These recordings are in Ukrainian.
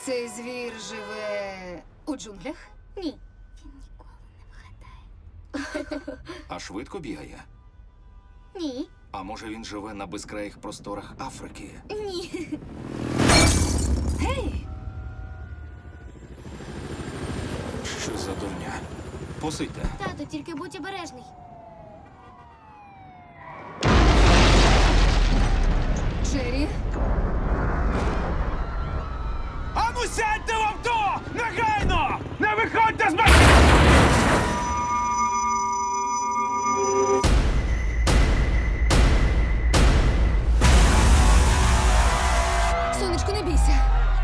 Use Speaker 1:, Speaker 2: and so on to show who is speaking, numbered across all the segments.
Speaker 1: Цей звір живе у джунглях?
Speaker 2: Ні. Він ніколи не вгадає.
Speaker 3: А швидко бігає?
Speaker 2: Ні.
Speaker 3: А може він живе на безкраїх просторах Африки?
Speaker 2: Ні.
Speaker 1: Гей!
Speaker 3: Що за дурня? Посидьте.
Speaker 2: Тато, тільки будь обережний.
Speaker 1: Джері?
Speaker 4: Ану сядьте в авто! Негайно! Не виходьте з машини!
Speaker 1: Сонечко, не бійся.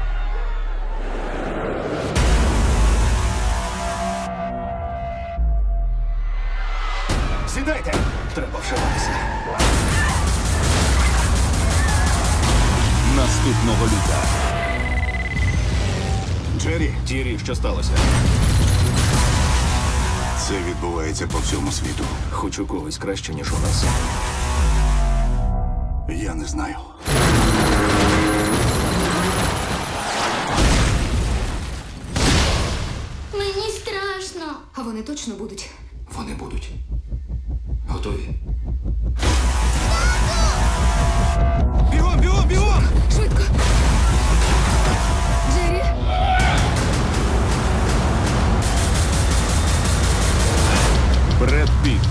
Speaker 3: Сідайте! Треба вшиватися.
Speaker 5: Наступного літа.
Speaker 3: Джері, Тірі, що сталося?
Speaker 6: Це відбувається по всьому світу.
Speaker 3: Хоч у когось краще, ніж у нас.
Speaker 6: Я не знаю.
Speaker 2: Мені страшно.
Speaker 1: А вони точно будуть.
Speaker 3: Вони будуть. Готові?
Speaker 4: Бігом, бігом, бігом!
Speaker 1: Швидко! Джері?
Speaker 5: Бред Піт.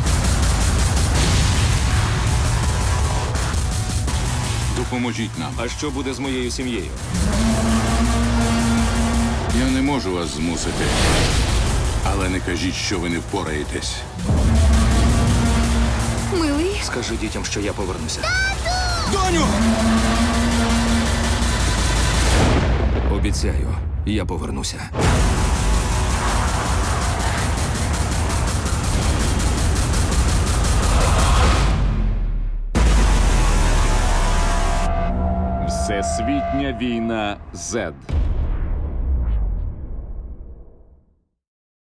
Speaker 5: Допоможіть нам.
Speaker 3: А що буде з моєю сім'єю?
Speaker 5: Я не можу вас змусити. Але не кажіть, що ви не впораєтесь.
Speaker 1: Милий?
Speaker 3: Скажи дітям, що я повернуся.
Speaker 4: Доню!
Speaker 3: Обіцяю, я повернуся.
Speaker 5: Всесвітня війна Z.